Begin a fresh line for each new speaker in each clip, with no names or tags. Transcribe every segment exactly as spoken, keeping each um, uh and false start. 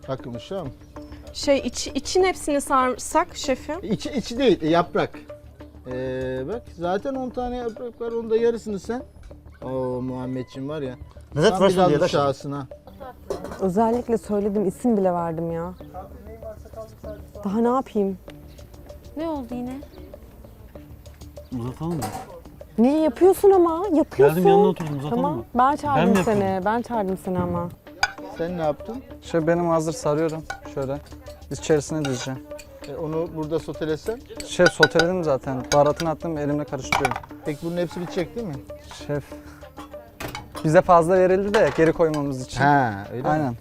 Bakın uşağım.
Şey iç, için hepsini sarsak şefim.
İçi, içi değil, yaprak. Ee, bak zaten on tane yaprak var, onun da yarısını sen. Oo Muhammedciğim var ya.
Lezzet versin diye de
uşağısın ha.
Özellikle söyledim, isim bile verdim ya. Daha ne yapayım?
Ne oldu yine?
Uzatalım mı?
Niye yapıyorsun ama? Yapıyorsun.
Geldim yanına oturdum, uzatalım
Tamam.
mı?
Ben
Ben
çağırdım
mi
seni.
yapıyorum?
Ben çağırdım seni ama.
Sen ne yaptın?
Şöyle benim hazır sarıyorum. Şöyle. İçerisine dizeceğim.
E, onu burada sotelesen.
Şef soteledim zaten. Baharatını attım, elimle karıştırıyorum.
Peki bunun hepsi bitecek değil mi?
Şef. Bize fazla verildi de geri koymamız için.
Ha, öyle mi?
Aynen.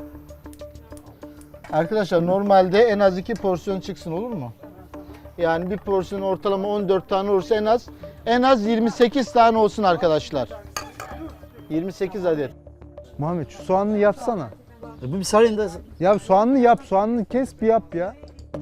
Arkadaşlar normalde en az iki porsiyon çıksın, olur mu? Yani bir porsiyon ortalama on dört tane olursa en az en az yirmi sekiz tane olsun arkadaşlar. yirmi sekiz adet.
Muhammed şu soğanını yapsana.
E, bir sarayım da.
Ya soğanını yap, soğanını kes bir yap ya.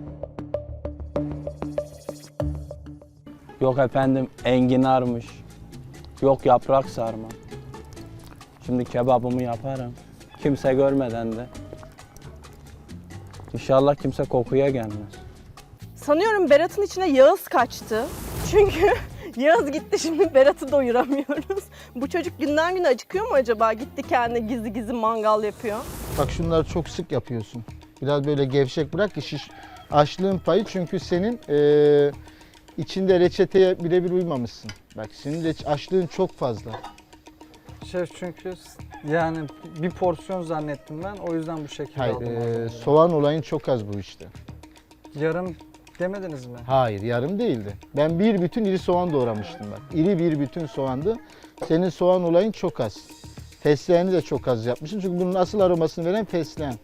Yok efendim enginarmış. Yok yaprak sarma. Şimdi kebabımı yaparım. Kimse görmeden de. İnşallah kimse kokuya gelmez.
Sanıyorum Berat'ın içine Yağız kaçtı. Çünkü Yağız gitti, şimdi Berat'ı doyuramıyoruz. Bu çocuk günden güne acıkıyor mu acaba? Gitti kendine gizli gizli mangal yapıyor.
Bak şunları çok sık yapıyorsun. Biraz böyle gevşek bırak ki şiş. Açlığın payı, çünkü senin eee, içinde reçeteye birebir uymamışsın. Bak senin reç- açlığın çok fazla.
Şef çünkü yani bir porsiyon zannettim ben. O yüzden bu şekilde
Hayır,
aldım.
eee, soğan olayın çok az bu işte.
Yarım demediniz mi?
Hayır, yarım değildi. Ben bir bütün iri soğan doğramıştım bak. İri bir bütün soğandı. Senin soğan olayın çok az. Fesleğeni de çok az yapmışsın. Çünkü bunun asıl aromasını veren fesleğen.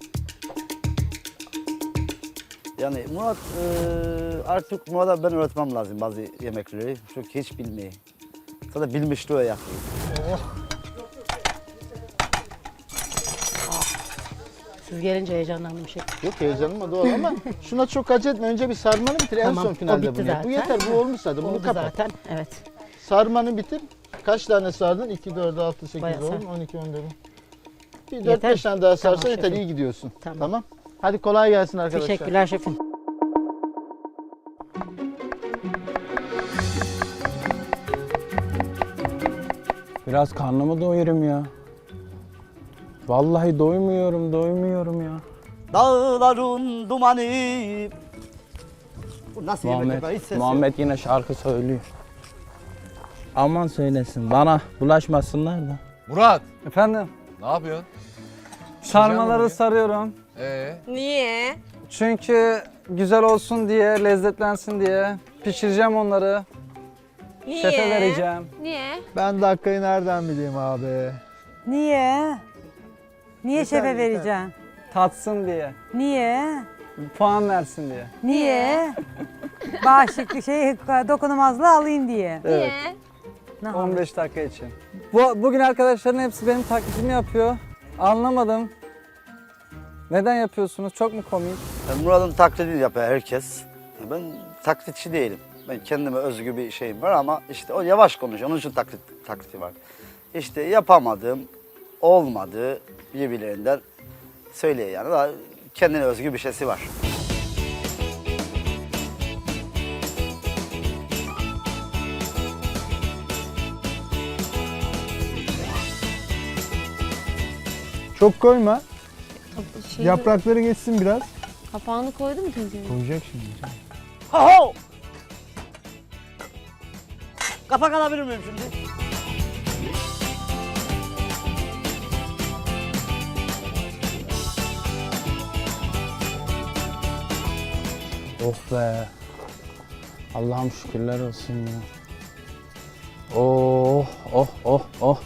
Yani Murat e, artık Murat'a ben öğretmem lazım bazı yemekleri. Çünkü hiç bilmiyor. Sadece bilmişliği yapıyor.
Siz gelince heyecanlandım şef.
Yok heyecanıma doğal ama şuna çok acele etme. Önce bir sarmanı bitir. En
Tamam,
son
o
finalde
bitti
bunu yap. Bu
zaten.
yeter. Bu olmuş zaten. Bunu
Oldu
kapat.
zaten, evet.
Sarmanı bitir. Kaç tane sardın? iki, dört, altı, sekiz,
Bayağı
on,
sar.
on iki, on dört. Bir dört
Yeter.
beş tane daha
Tamam
sarsan yeter.
şefim.
İyi gidiyorsun.
Tamam.
Tamam. Hadi kolay gelsin arkadaşlar.
Teşekkürler şefim.
Biraz karnımı doyurayım ya. Vallahi doymuyorum, doymuyorum ya.
Dağların dumanı. Bu nasıl yemek
Muhammed,
ya? Hiç ses yok.
Muhammed yine şarkı söylüyor. Aman söylesin, bana bulaşmasınlar da.
Murat,
Efendim?
ne yapıyorsun?
Sarmaları
bugün.
sarıyorum.
Ee,
Niye?
Çünkü güzel olsun diye, lezzetlensin diye pişireceğim onları.
Niye?
Şefe vereceğim.
Niye?
Ben dakikayı nereden bileyim abi?
Niye? Niye
Yeter,
şefe
yeter.
vereceksin?
Tatsın diye.
Niye?
Puan versin diye.
Niye? Bağışıklık şey dokunulmazlığı alayım diye.
Evet.
Ne
on beş dakika için. Bu, bugün arkadaşların hepsi benim taklidimi yapıyor. Anlamadım. Neden yapıyorsunuz? Çok mu komik?
Yani Murat'ın taklidini yapıyor herkes. Ben taklitçi değilim. Ben kendime özgü bir şeyim var ama işte o yavaş konuşuyor. Onun için taklit, taklidi var. İşte yapamadım, olmadı birbirlerinden söylüyor yani. Daha kendine özgü bir şeysi var.
Çok koyma.
Şey,
Yaprakları geçsin biraz.
Kapağını koydu mu tencereye?
Koyacak şimdi.
Ho ho! Kapak alabilir miyim şimdi?
Oh be. Allah'ım şükürler olsun ya. Oh, oh, oh, oh.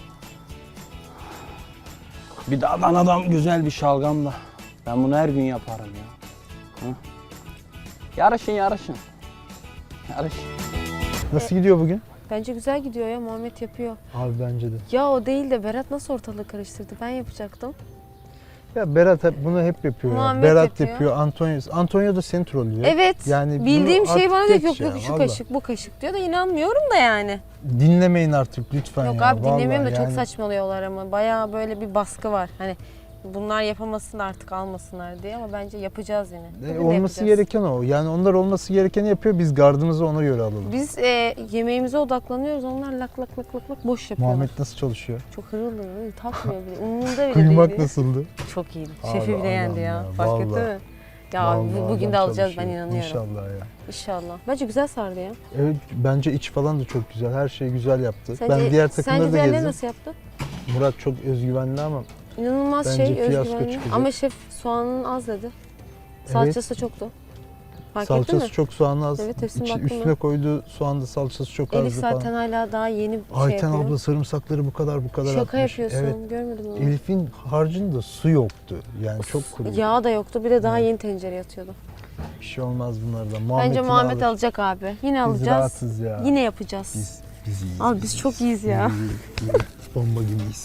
Bir de Adana'dan güzel bir şalgam da. Ben bunu her gün yaparım ya. Hı? Yarışın, yarışın. Yarışın.
Nasıl gidiyor bugün?
Bence güzel gidiyor ya, Muhammed yapıyor.
Abi bence de.
Ya o değil de Berat nasıl ortalığı karıştırdı? Ben yapacaktım.
Ya Berat hep, bunu hep yapıyor ya.
Muhammed
Berat
yapıyor.
yapıyor, Antonio. Antonio da seni trollüyor.
Evet.
Yani bunu
bildiğim şey
artık
bana diyor ki
geç
yok yok
ya,
şu
vallahi.
kaşık bu kaşık diyor da inanmıyorum da yani.
Dinlemeyin artık lütfen
Yok
ya.
abi dinlemiyorum da
vallahi
çok
yani.
saçmalıyorlar ama bayağı böyle bir baskı var. Hani Bunlar yapamasın artık almasınlar diye ama bence yapacağız yine.
E,
Bugün de
olması
yapacağız.
gereken o. Yani onlar olması gerekeni yapıyor. Biz gardımızı ona göre alalım.
Biz e, yemeğimize odaklanıyoruz. Onlar lak lak lak lak lak boş yapıyorlar.
Muhammed nasıl çalışıyor?
Çok hırıl hırıl takmıyor bile. Umurunda bile
Kuyumak
değil.
nasıldı?
Çok iyiydi.
Abi,
Şefi bile yendi
adam
ya.
ya,
Fark etti
vallahi.
mi? Ya
Vallahi
bu- bugün
adam
de alacağız ben
çalışıyor.
inanıyorum.
İnşallah ya.
İnşallah. Bence güzel sardı ya.
Evet, bence iç falan da çok güzel. Her şeyi güzel yaptı.
Sence,
ben diğer takımları
sence
da
diğerleri
gezdim.
nasıl yaptı?
Murat çok özgüvenli ama
İnanılmaz
Bence
şey
fiyasko
özgüvenli.
çıkacak.
Ama şef soğanın az dedi. Salçası çoktu. Fark ettin
salçası
mi?
çok soğanı az.
Evet, hepsine
İçi-
baktım ben.
üstüne koyduğu soğanda salçası çok
Elif
azdı
zaten
falan.
hala daha yeni şey
Ayten
yapıyor.
abla sarımsakları bu kadar bu kadar
Şaka
atmış.
yapıyorsun.
Evet.
Görmedim onu.
Elif'in harcında su yoktu. Yani çok kuru.
Yağ da yoktu. Bir de daha
Evet.
yeni tencere yatıyordu.
Bir şey olmaz bunlardan.
Bence
Muhammed'in
Muhammed
alır.
alacak abi. Yine
Biz
alacağız.
rahatsız ya.
Yine yapacağız.
Biz, biz iyiyiz.
Abi biz çok iyiyiz ya.
iyiyiz, iyiyiz. Bomba gibiyiz.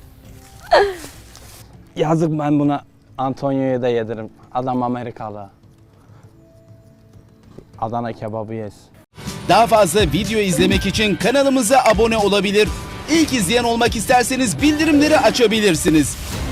Yazık ben buna Antonio'ya da yedirim. Adam Amerikalı. Adana kebabı yes.
Daha fazla video izlemek için kanalımıza abone olabilir. İlk izleyen olmak isterseniz bildirimleri açabilirsiniz.